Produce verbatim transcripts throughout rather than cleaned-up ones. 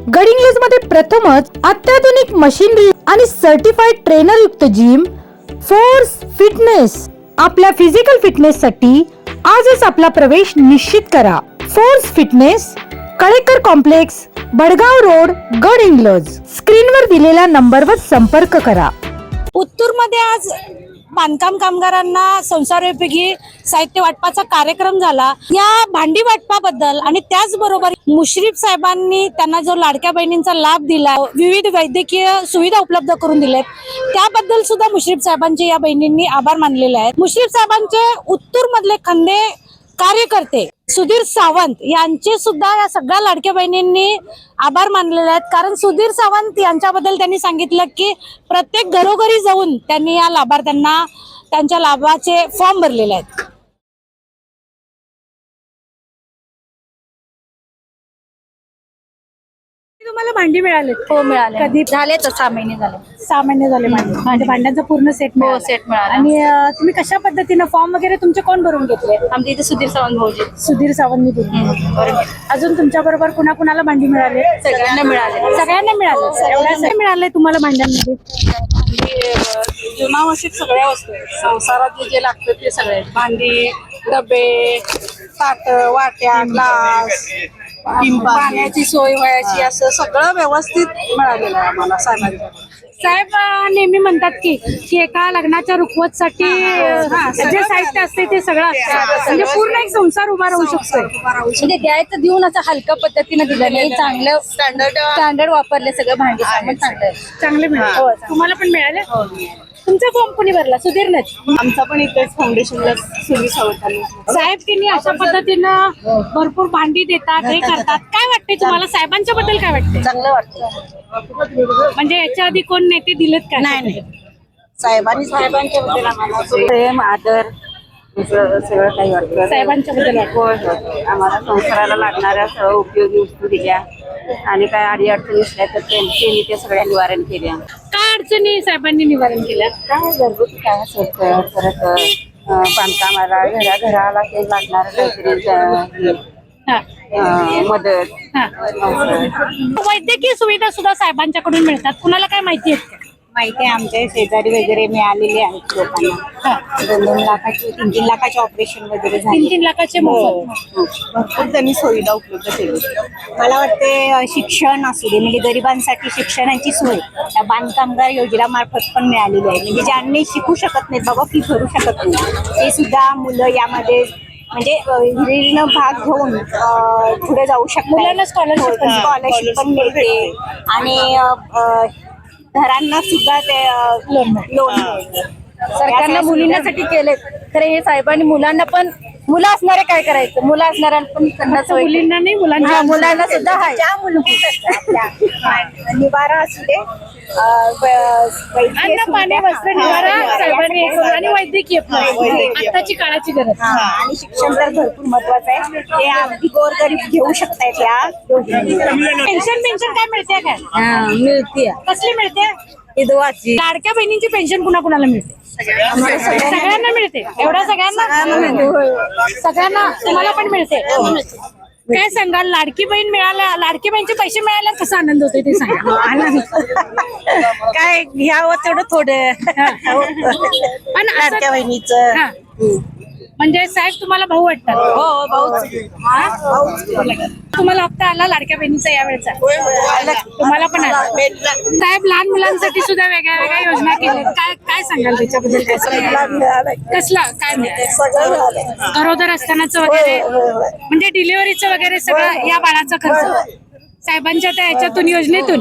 गडिंग्लज मध्ये प्रथमच अत्याधुनिक मशीनरी आणि सर्टिफाईड ट्रेनर युक्त जिम फोर्स फिटनेस। आपल्या फिजिकल फिटनेस साठी आजच आपला प्रवेश निश्चित करा। Force fitness, Kalekar complex, Badgaon road, Gadhinglaj. स्क्रीनवर दिलेल्या नंबरवर संपर्क करा। उत्तूरमध्ये आज बांधकाम कामगारांना संसारोपयोगी साहित्य वाटपाचा कार्यक्रम झाला। या भांडी वाटपाबद्दल आणि त्याचबरोबर मुश्रीफ साहेबांनी त्यांना जो लाडक्या बहिणींचा लाभ दिला, विविध वैद्यकीय सुविधा उपलब्ध करून दिलेत, त्याबद्दल सुद्धा मुश्रीफ साहेबांचे या बहिणींनी आभार मानलेले आहेत। मुश्रीफ साहेबांचे उत्तूर मधले खंदे कार्यकर्ते सुधीर सावंत यांचे सुद्धा या सगळ्या लाडक्या बहिणींनी आभार मानलेले आहेत। कारण सुधीर सावंत यांच्याबद्दल त्यांनी सांगितलं की प्रत्येक घरोघरी जाऊन त्यांनी या लाभार्थ्यांना त्यांच्या लाभाचे फॉर्म भरलेले आहेत। तुम्हाला भांडी मिळाले? हो मिळाले। कधी झाले तर सहा महिने झाले। सहा महिने झाले भांडी म्हणजे भांड्यांचा पूर्ण सेट मिळाला? हो सेट मिळाला। आणि अं, तुम्ही कशा पद्धतीने फॉर्म वगैरे तुमचे कोण भरून घेतले? आमच्या इथे सुधीर सावंत भाऊजी। सुधीर सावंतनी भरून। अजून तुमच्या बरोबर कुणा कुणाला भांडी मिळाले? सगळ्यांना मिळाले। सगळ्यांना मिळाले। एवढ्या मिळाले तुम्हाला भांड्यांमध्ये? जीवनावश्यक सगळ्या वस्तू आहेत। संसारात जे लागतं ते सगळे, भांडी, डबे, ताट, वाट्या, ग्लास, पाण्याची सोय व्हायची, असं सगळं व्यवस्थित मिळालेलं आहे आम्हाला साहेबांच्या। साहेब अं, नेहमी म्हणतात की की एका लग्नाच्या रुखवतसाठी अं, जे साहित्य असते ते सगळं असतं, म्हणजे पूर्ण एक संसार उभा राहू शकतो। म्हणजे द्यायचं देऊन असं हलक्या पद्धतीने दिलं नाही, चांगलं स्टँडर्ड स्टँडर्ड वापरले सगळं भांडी सामान चांगलं चांगले मिळाले। तुम्हाला पण मिळाले? तुमचा फॉर्म कोणी भरला? सुधीरनेच? आमचा पण इथेच फाउंडेशनला सुरू सावंतांनी। साहेब त्यांनी अशा पद्धतीनं भरपूर भांडी देतात, हे करतात, काय वाटते तुम्हाला? साहेबांच्या बद्दल काय वाटते? चांगलं वाटतं। म्हणजे याच्या आधी कोण नेते दिलेत का? नाही साहेबांनी साहेबांच्या बद्दल आम्हाला प्रेम, आदर सगळं काही वाटतं। साहेबांच्या बद्दल वाटतं? होय होय, आम्हाला संसाराला लागणाऱ्या सर्व उपयोगी वस्तू दिल्या आणि काय अडी अडचणी असल्या तर त्यांनी ते सगळ्या निवारण केल्या। काय अडचणी साहेबांनी निवारण केल्या? काय घरगुती काय असं परत अं, बांधकामाला घरा घराला ते लागणार काहीतरी अं, हा. अं, मदत हा. वैद्यकीय सुविधा सुद्धा साहेबांच्याकडून मिळतात, कुणाला काय माहिती आहे का? माहिती आहे, आमच्या शेजारी वगैरे मिळालेली आहेत लोकांना। दोन दोन लाखाची तीन तीन लाखाचे ऑपरेशन वगैरे झाले। तीन तीन लाखाचे मोफत? भरपूर त्यांनी सुविधा उपलब्ध केली। मला वाटते अं, शिक्षण असू दे, म्हणजे गरिबांसाठी शिक्षणाची सोय त्या बांधकामगार योजनेमार्फत पण मिळालेली आहे। म्हणजे ज्यांनी शिकू शकत नाहीत, बाबा फी भरू शकत नाही, ते सुद्धा मुलं यामध्ये म्हणजे हिरीनं भाग घेऊन पुढे जाऊ शकतात। मुलांना स्कॉलरशिप पण स्कॉलरशिप पण मिळते आणि अं, घरांना सुद्धा ते लोन लोन सरकारनं मुलींसाठी केले खरे, हे साहेबांनी मुलांना पण, मुलं असणारे काय करायचं, मुलं असणाऱ्यांना पण त्यांना सोय केली। मुलींना नाही, मुलांच्या हा, मुलांना सुद्धा आहे। ज्या मूलभूत आपल्या निवारा असू दे, अं, व- वैद्यकीय अन्न, पाणी, सुविधा, वस्त्र, हा, निवारा हा, साहेबांनी हे करून, आणि वैद्यकीय हा, वैद्यकीय. पण आताची काळाची गरज। हा, आणि शिक्षण तर भरपूर महत्वाचं आहे, ते अगदी गोरगरीब घेऊ शकतायत या योजनेतून। पेन्शन पेन्शन काय मिळते काय? मिळते कसली मिळते? विधवाची। लाडक्या बहिणींची पेन्शन कुणा कुणाला मिळते? सगळ्यांना मिळते? एवढ्या सगळ्यांना? सगळ्यांना तुम्हाला पण मिळते? काय सांगाल, लाडकी बहीण मिळाल्या, लाडकी बहीणचे पैसे मिळाल्यावर कसा आनंद होतोय ते सांगा। काय घ्यावं तेवढं थोडं पण असं- लाडक्या बहिणीचं। हा. म्हणजे साहेब तुम्हाला भाऊ वाटतात? हो भाऊच तुम्हाला हप्ता आला लाडक्या बहिणीचा या वेळेचा? तुम्हाला पण आला? साहेब लहान मुलांसाठी सुद्धा वेगळ्या वेगळ्या योजना केल्या, काय काय सांगाल त्याच्याबद्दल? कसला काय मिळतं? गरोदर असतानाच वगैरे, म्हणजे डिलिव्हरीचं वगैरे सगळं या बाळाचा खर्च साहेबांच्या त्या याच्यातून, योजनेतून?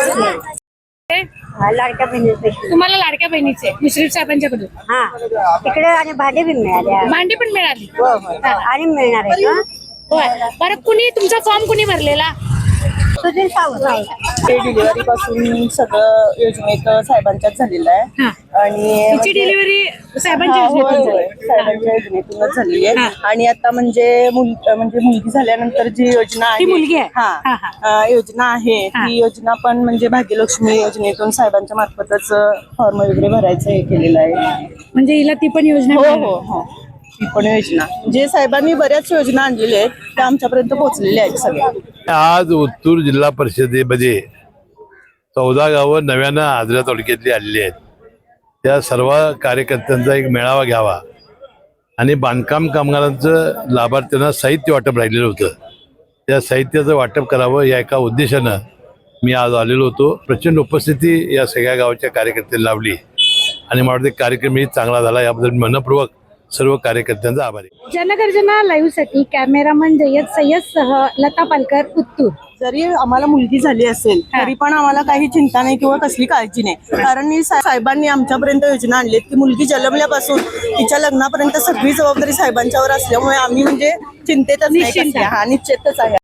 लाडक्या बहिणीचे तुम्हाला लाडक्या बहिणीचे मुश्रीफ साहेबांच्याकडून? हा, तिकडे आणि भांडी बी मिळाल्या भांडी पण मिळाली? आणि मिळणार आहे का? होय. बरं, कुणी तुमचा फॉर्म कुणी भरलेला? सुधीर सावंत। डिलिव्हरी पासून सगळं योजनेत साहेबांच्याच झालेलं आहे हा. आणि तिची डिलिव्हरी साहेबांच्या होय, योजनेतून होय, झाली? साहेबांच्या योजनेतूनच झालेली हा. आहे। आणि आता म्हणजे मुल- म्हणजे मुलगी झाल्यानंतर जी योजना ती मुलगी आहे? हा हा, हा. अं, योजना आहे हा. ती योजना पण म्हणजे भाग्यलक्ष्मी योजनेतून साहेबांच्या मार्फतच फॉर्म वगैरे भरायचं हे केलेलं आहे। म्हणजे हिला ती पण योजना हो मिळाली? हो हो ही पण योजना जे साहेबांनी बऱ्याच योजना आणलेल्या आहेत त्या आमच्यापर्यंत पोहोचलेल्या आहेत सगळ्या. आज उत्तूर जिल्हा परिषदेमध्ये चौदा गावं नव्यानं आजरा तालुक्यातली आलेली आहेत. त्या सर्व कार्यकर्त्यांचा एक मेळावा घ्यावा आणि बांधकाम कामगारांचं लाभार्थ्यांना साहित्य वाटप राहिलेलं होतं, त्या साहित्याचं वाटप करावं या एका उद्देशानं मी आज आलेलो होतो. प्रचंड उपस्थिती या सगळ्या गावाच्या कार्यकर्त्यांनी लावली आणि मला वाटतं कार्यक्रमही चांगला झाला. याबद्दल मनपूर्वक सर्व कार्यकर्त्यांचा आभार आहे. जनगर्जना लाईव्ह साठी कॅमेरामन जय्यद सय्यद सह लता पालकर, उत्तूर. जरी आम्हाला मुलगी झाली असेल तरी पण आम्हाला काही चिंता नाही किंवा कसली काळजी नाही, कारण मी सा- साहेबांनी आमच्यापर्यंत योजना आणलीत की मुलगी जन्मल्यापासून तिच्या लग्नापर्यंत सगळी जबाबदारी साहेबांच्यावर असल्यामुळे आम्ही म्हणजे चिंतेतच नाही कसल्या. हा निश्चितच आहे.